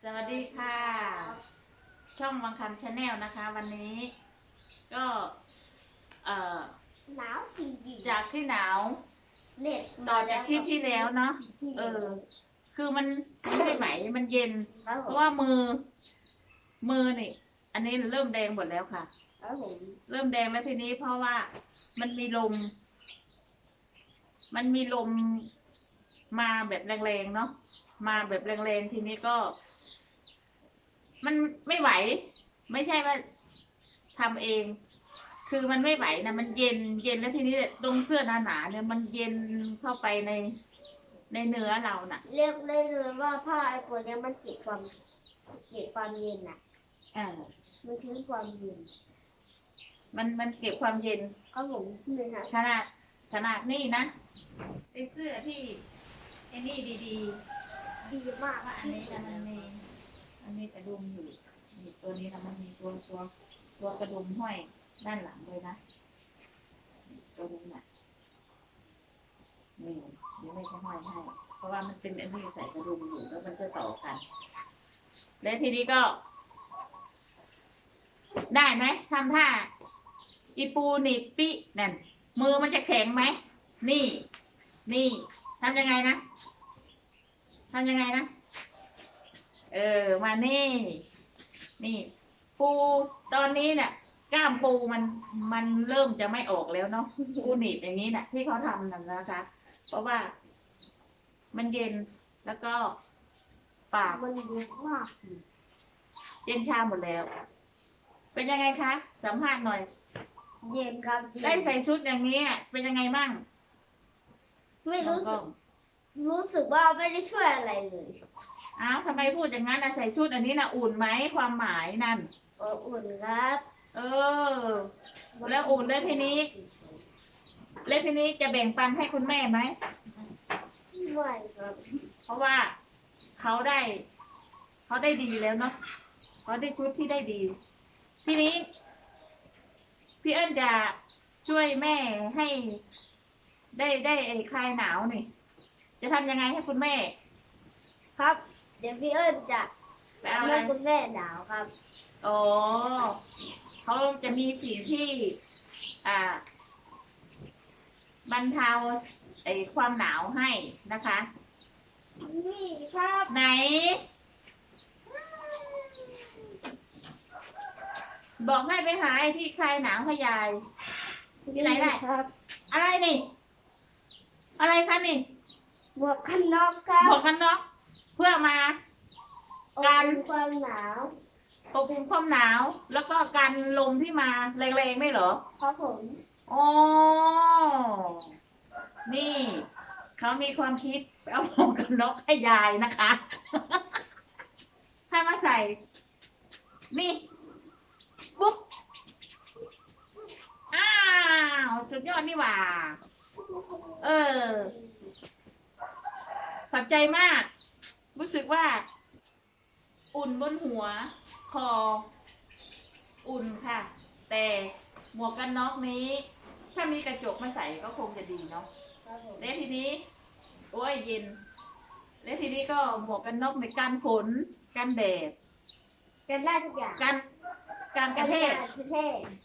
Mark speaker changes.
Speaker 1: วัสดีค่ะ ช่องวังคำชาแนลนะคะ วันนี้ก็
Speaker 2: หนาวจริงๆ
Speaker 1: จากที่หนาว
Speaker 2: เน็ต
Speaker 1: ต่อจากคลิปที่แล้วเนาะคือมันไม่ไหวมันเย็น เพราะว่ามือนี่อันนี้เริ่มแดงหมดแล้วค่ะ
Speaker 2: ครับผม
Speaker 1: เริ่มแดงแล้วทีนี้เพราะว่ามันมีลมมาแบบแรงๆเนาะมาแบบแรงๆทีนี้ก็ มันไม่ไหว ไม่ใช่ว่าทำเอง คือมันไม่ไหวนะมันเย็นแล้วทีนี้ตรงเสื้อหนาๆเนี่ยมันเย็นเข้าไปในเนื้อเราน่ะ
Speaker 2: เรียกได้เลยว่าผ้าไอ้ตัวเนี้ยมันเก็บความเย็นน่ะ
Speaker 1: อ่า
Speaker 2: มันชื้นความเย็น
Speaker 1: มันเก็บความเย็น
Speaker 2: ครับผมนี่ค่ะ
Speaker 1: ขนาดนี่นะเป็นเสื้อที่ไอ้นี่ดี
Speaker 2: ดีมาก
Speaker 1: ๆว่าอันนี้นะมันมีกระดุมอยู่นี่ตัวนี้นะมันมีตัวกระดุมห้อยด้านหลังเลยนะตัวนี้น่ะนี่เดี๋ยวไม่ใช่ห้อยให้เพราะว่ามันเป็นอันนี้ใส่กระดุมอยู่แล้วมันจะต่อกัน และทีนี้ก็ ได้ไหมทำท่าอีปูหนีบปินั่นมือมันจะแข็งไหมนี่ทำยังไงนะมานี่ปูตอนนี้เนี่ยกล้ามปูมันเริ่มจะไม่ออกแล้วเนาะปูหนีบอย่างนี้น่ะที่เขาทำนั่นนะคะ เพราะว่ามันเย็นแล้วก็ปาก
Speaker 2: มันเย็นมาก
Speaker 1: เย็นชาหมดแล้ว เป็นยังไงคะสัมภาษณ์หน่อย
Speaker 2: เย็นครับ
Speaker 1: ได้ใส่ชุดอย่างนี้เป็นยังไงบ้าง
Speaker 2: ไม่รู้สึกว่าไม่ได้ช่วยอะไรเลย
Speaker 1: อ้าวทำไมพูดอย่างนั้นนะใส่ชุดอันนี้นะอุ่นไหมความหมายนั่น
Speaker 2: อุ่นครับ
Speaker 1: แล้วอุ่นแล้วทีนี้จะแบ่งปันให้คุณแม่ไหม
Speaker 2: ไม่ครับ
Speaker 1: เพราะว่าเขาได้ดีแล้วเนาะเขาได้ชุดที่ได้ดี ทีนี้ พี่เอิญจะช่วยแม่ให้ได้คลายหนาวนี่จะทำยังไงให้คุณแม่
Speaker 2: ครับ เดี๋ยวพี่เอิญจะ
Speaker 1: ไปเอาอะไร
Speaker 2: ให้คุณแม่หนาวครับ
Speaker 1: อ๋อเขาจะมีสิ่งที่บรรเทาความหนาวให้นะคะ
Speaker 2: นี่ครับ
Speaker 1: ไหน บอกให้ไปหาไอ้ที่คลายหนาวให้ยายที่ไหนได้
Speaker 2: ครับ
Speaker 1: อะไรนี่ อะไรคะนี่
Speaker 2: หมวกกันน็อกครับ
Speaker 1: บอกกันเนาะเพื่อมา กัน
Speaker 2: อบความหนาว
Speaker 1: ปกป้องความหนาว แล้วก็กันลมที่มาแรงๆไม่เหรอ
Speaker 2: ครับผม
Speaker 1: อ๋อ นี่เขามีความคิดไปเอาหมวกกันน็อกให้ยายนะคะ ถ้ามาใส่ นี่ปุ๊บ อ้าว สุดยอดนี่หว่า ขอบใจมาก รู้สึกว่า อุ่นบนหัว คอ อุ่นค่ะ แต่หมวกกันน็อกนี้ ถ้ามีกระจกมาใส่ก็คงจะดีเนาะ
Speaker 2: ครับผม
Speaker 1: และทีนี้ โอ้ยเย็น และทีนี้ก็หมวกกันน็อกในกันฝน กันแดด
Speaker 2: กันได้ทุกอย่าง
Speaker 1: กันกระเทศ
Speaker 2: กันได้ทุกเทศ